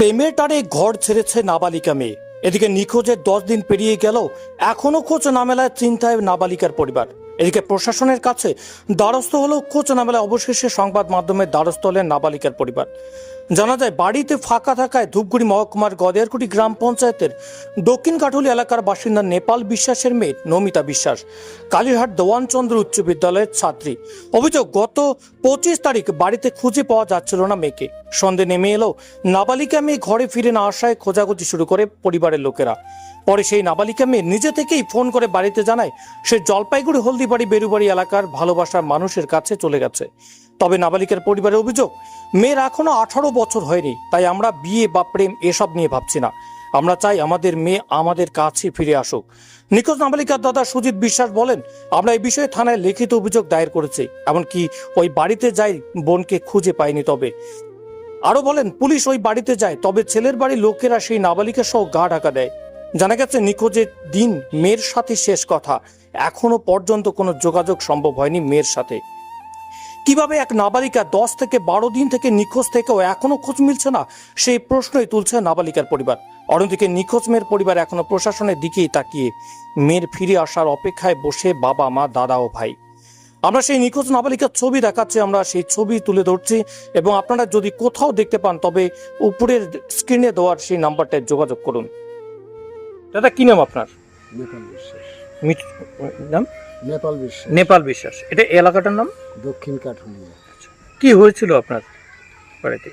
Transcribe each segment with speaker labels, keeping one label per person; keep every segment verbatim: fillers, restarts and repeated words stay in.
Speaker 1: প্রেমের টানে ঘর ছেড়েছে নাবালিকা মেয়ে। এদিকে নিখোঁজের দশ দিন পেরিয়ে গেলেও এখনো খোঁজ না মেলায় চিন্তায় নাবালিকার পরিবার। এদিকে প্রশাসনের কাছে দ্বারস্থ হলেও খোঁজ না মেলায় অবশেষে সংবাদ মাধ্যমের দ্বারস্থ হলেন নাবালিকার পরিবার। জানা যায়, বাড়িতে ফাঁকা থাকায় ধূপগুড়ি মহকুমার গদেয়ারকুটি গ্রাম পঞ্চায়েতের দক্ষিণ কাঠুলি এলাকার বাসিন্দা নেপাল বিশ্বাসের মেয়ে নমিতা বিশ্বাস কালীরহাট দেওয়ানচন্দ্র উচ্চ বিদ্যালয়ের ছাত্রী। অভিযোগ, গত পঁচিশ তারিখ বাড়িতে খুঁজে পাওয়া যাচ্ছিল না মেয়েকে। সন্ধে নেমে এলেও নাবালিকা মেয়ে ঘরে ফিরে না আসায় খোঁজাখুঁজি শুরু করে পরিবারের লোকেরা। পরে সেই নাবালিকা মেয়ে নিজে থেকেই ফোন করে বাড়িতে জানায় সে জলপাইগুড়ি হলদিবাড়ি বেরুবাড়ি এলাকার ভালোবাসার মানুষের কাছে চলে গেছে। তবে নাবালিকার পরিবারের অভিযোগ, মেয়ের এখনো আঠারো বছর হয়নি, তাই আমরা বিয়ে বা প্রেম এসব নিয়ে ভাবছি না। আমরা চাই আমাদের মেয়ে আমাদের কাছে ফিরে আসুক। নিখোঁজ নাবালিকার দাদা সুজিত বিশ্বাস বলেন, আমরা এই বিষয়ে থানায় লিখিত অভিযোগ দায়ের করেছি, এমনকি ওই বাড়িতে যাই বোনকে খুঁজে পায়নি। তবে আরো বলেন, পুলিশ ওই বাড়িতে যায়, তবে ছেলের বাড়ির লোকেরা সেই নাবালিকা সহ গা ঢাকা দেয়। জানা গেছে, নিখোঁজের দিন মেয়ের সাথে শেষ কথা, এখনো পর্যন্ত কোনো যোগাযোগ সম্ভব হয়নি মেয়ের সাথে। কিভাবে এক নাবালিকা দশ থেকে বারো দিন থেকে নিখোঁজ থেকেও এখনো খোঁজ মিলছে না, সেই প্রশ্নই তুলছে নাবালিকার পরিবার। অন্যদিকে নিখোঁজ মেয়ের পরিবার এখনো প্রশাসনের দিকেই তাকিয়ে মেয়ের ফিরে আসার অপেক্ষায় বসে বাবা, মা, দাদা ও ভাই। আমরা সেই নিখোঁজ নাবালিকার ছবি দেখাচ্ছি, আমরা সেই ছবি তুলে ধরছি, এবং আপনারা যদি কোথাও দেখতে পান তবে উপরের স্ক্রিনে দেওয়ার সেই নাম্বারটায় যোগাযোগ করুন। দাদা, কি নাম আপনার?
Speaker 2: নেপাল বিশ্বাস।
Speaker 1: নাম
Speaker 2: নেপাল বিশ্বাস।
Speaker 1: নেপাল বিশ্বাস। এটা এলাকাটার নাম?
Speaker 2: দক্ষিণ কাঠুলি।
Speaker 1: কি হয়েছিল আপনার বাড়িতে?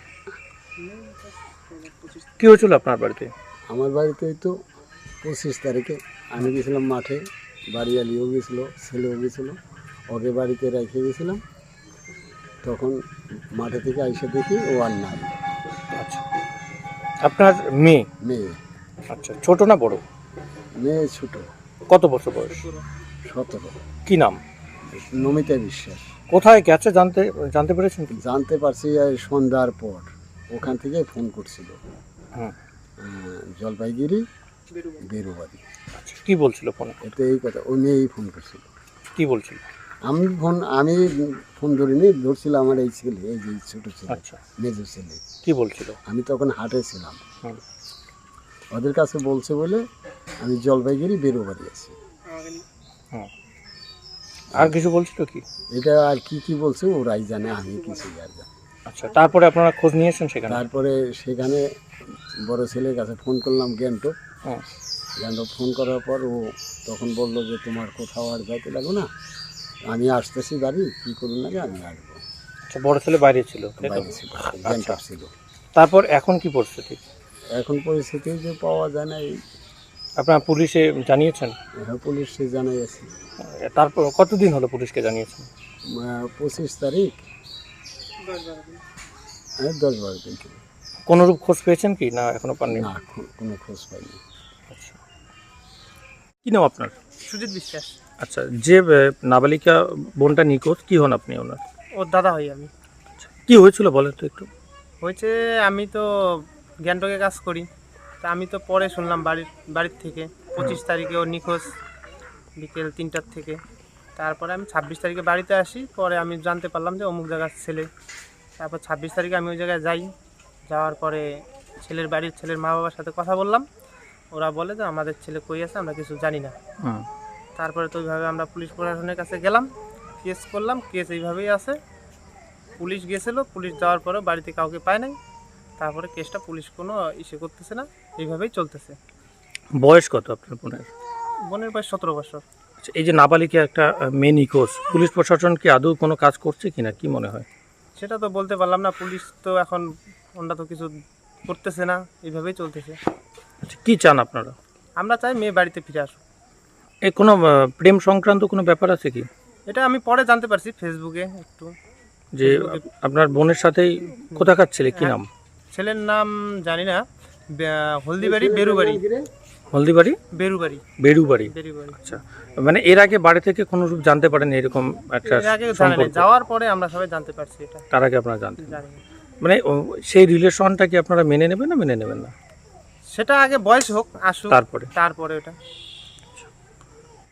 Speaker 1: কি হয়েছিল আপনার বাড়িতে?
Speaker 2: আমার বাড়িতে তো পঁচিশ তারিখে আমি গেছিলাম মাঠে, বাড়ি আলিও গেছিলো, ছেলেও গেছিলো, ওকে বাড়িতে রেখে গেছিলাম। তখন মাঠে থেকে আইসে দেখি ও আর নাই।
Speaker 1: আচ্ছা, আপনার মেয়ে?
Speaker 2: মেয়ে।
Speaker 1: আচ্ছা, ছোট না বড়?
Speaker 2: মেয়ে ছোট।
Speaker 1: কত বছর বয়স?
Speaker 2: সতেরো।
Speaker 1: কি নাম?
Speaker 2: নমিতা বিশ্বাস।
Speaker 1: কোথায় গেছে জানতে জানতে পেরেছেন?
Speaker 2: জানতে পারছি সন্ধ্যার পর, ওখান থেকে ফোন করছিল।
Speaker 1: হুম।
Speaker 2: জলপাইগুড়ি বেরুবাড়ি।
Speaker 1: আচ্ছা, কি বলছিল ফোনে?
Speaker 2: এতে এই কথা, ওই মেয়েই ফোন করছিল।
Speaker 1: কি বলছিল?
Speaker 2: আমি ফোন আমি ফোন ধরিনি, ধরছিলাম আমার এই ছেলে, এই যে ছোটো ছেলে।
Speaker 1: আচ্ছা,
Speaker 2: মেজর ছেলে।
Speaker 1: কি বলছিল?
Speaker 2: আমি তখন হাটে ছিলাম।
Speaker 1: হুম।
Speaker 2: ওদের কাছে বলছে বলে আমি জলপাইগুড়ি বেরোবাড়ি আছি।
Speaker 1: হুম। আর কিছু বলছিল কি?
Speaker 2: এটা আর কি কি বলছে ওরাই জানে, আমি কিছু আর জানি।
Speaker 1: আচ্ছা, তারপরে আপনারা খোঁজ নিয়েছেন সেখানে?
Speaker 2: তারপরে সেখানে বড় ছেলের কাছে ফোন করলাম, গ্যাংটক।
Speaker 1: হুম।
Speaker 2: গ্যাংটক ফোন করার পর ও তখন বললো যে তোমার কোথাও আর যাইতে লাগো না, আমি আসতেছি বাড়ি, কী করুন না, আমি আসবো।
Speaker 1: আচ্ছা, বড় ছেলে বাইরে ছিল?
Speaker 2: বাইরে ছিল, গ্যাংটক ছিল।
Speaker 1: তারপর এখন কি পরিস্থিতি?
Speaker 2: এখন পরিস্থিতি যে পাওয়া যায় না। এই
Speaker 1: আপনারা পুলিশে জানিয়েছেন?
Speaker 2: হ্যাঁ, পুলিশে জানাই আছে।
Speaker 1: তারপর কতদিন হলো পুলিশকে জানিয়েছেন?
Speaker 2: পঁচিশ তারিখ, হ্যাঁ, দশ বারো দিন।
Speaker 1: কোনোরূপ খোঁজ পেয়েছেন কি না এখনো পাননি?
Speaker 2: না, কোনো খোঁজ পাইনি।
Speaker 1: আচ্ছা, কি নাম আপনার?
Speaker 3: সুজিত বিশ্বাস।
Speaker 1: আচ্ছা, যে নাবালিকা বোনটা নিখোঁজ, কি হন আপনি ওনার?
Speaker 3: ওর দাদা হই আমি।
Speaker 1: আচ্ছা, কি হয়েছিল বলেন তো একটু।
Speaker 3: হয়েছে, আমি তো গ্যাংটকে কাজ করি, তা আমি তো পরে শুনলাম বাড়ির বাড়ির থেকে পঁচিশ তারিখে ওর নিখোঁজ বিকেল তিনটার থেকে। তারপরে আমি ছাব্বিশ তারিখে বাড়িতে আসি, পরে আমি জানতে পারলাম যে অমুক জায়গার ছেলে। তারপর ছাব্বিশ তারিখে আমি ওই জায়গায় যাই, যাওয়ার পরে ছেলের বাড়ির ছেলের মা বাবার সাথে কথা বললাম। ওরা বলে যে আমাদের ছেলে কই আছে আমরা কিছু জানি না। তারপরে তো ওইভাবে আমরা পুলিশ প্রশাসনের কাছে গেলাম, কেস করলাম, কেস এইভাবেই আছে। পুলিশ গেছিলো, পুলিশ যাওয়ার পরে বাড়িতে কাউকে পায় নাই। তারপরে কেসটা পুলিশ কোনো ইসে করতেছে না, এইভাবেই চলতেছে।
Speaker 1: বয়স কত আপনার বোনের?
Speaker 3: বোনের বয়স সতেরো বছর।
Speaker 1: আচ্ছা, এই যে নাবালিকা একটা মেয়ে নিখোঁজ, পুলিশ প্রশাসন কি আদৌ কোনো কাজ করছে কিনা, কি মনে হয়?
Speaker 3: সেটা তো বলতে পারলাম না, পুলিশ তো এখন ওনরা তো কিছু করতেছে না, এইভাবেই চলতেছে।
Speaker 1: আচ্ছা, কি চান আপনারা?
Speaker 3: আমরা চাই মেয়ে বাড়িতে ফিরে আসুক।
Speaker 1: এ কোনো প্রেম সংক্রান্ত কোনো ব্যাপার আছে কি?
Speaker 3: এটা আমি পরে জানতে পারছি ফেসবুকে একটু,
Speaker 1: যে আপনার বোনের সাথেই কোথাকার ছেলে, কি নাম?
Speaker 3: ছেলের নাম জানি না, হলদিবাড়ি বেরুবাড়ি।
Speaker 1: হলদিবাড়ি
Speaker 3: বেরুবাড়ি
Speaker 1: বেরুবাড়ি
Speaker 3: বেরুবাড়ি।
Speaker 1: আচ্ছা, মানে এর আগে বাড়ি থেকে কোনো রূপ জানতে পারেন এরকম একটা
Speaker 3: এর আগে জানি না,
Speaker 1: সম্পর্ক?
Speaker 3: যাওয়ার পরে আমরা সবাই জানতে পারছি এটা।
Speaker 1: তার আগে আপনারা জানতেন?
Speaker 3: জানি না।
Speaker 1: মানে সেই রিলেশনটা কি আপনারা মেনে নেবেন না মেনে নেবেন না?
Speaker 3: সেটা আগে বয়স হোক, আসুক,
Speaker 1: তারপরে
Speaker 3: তারপরে ওটা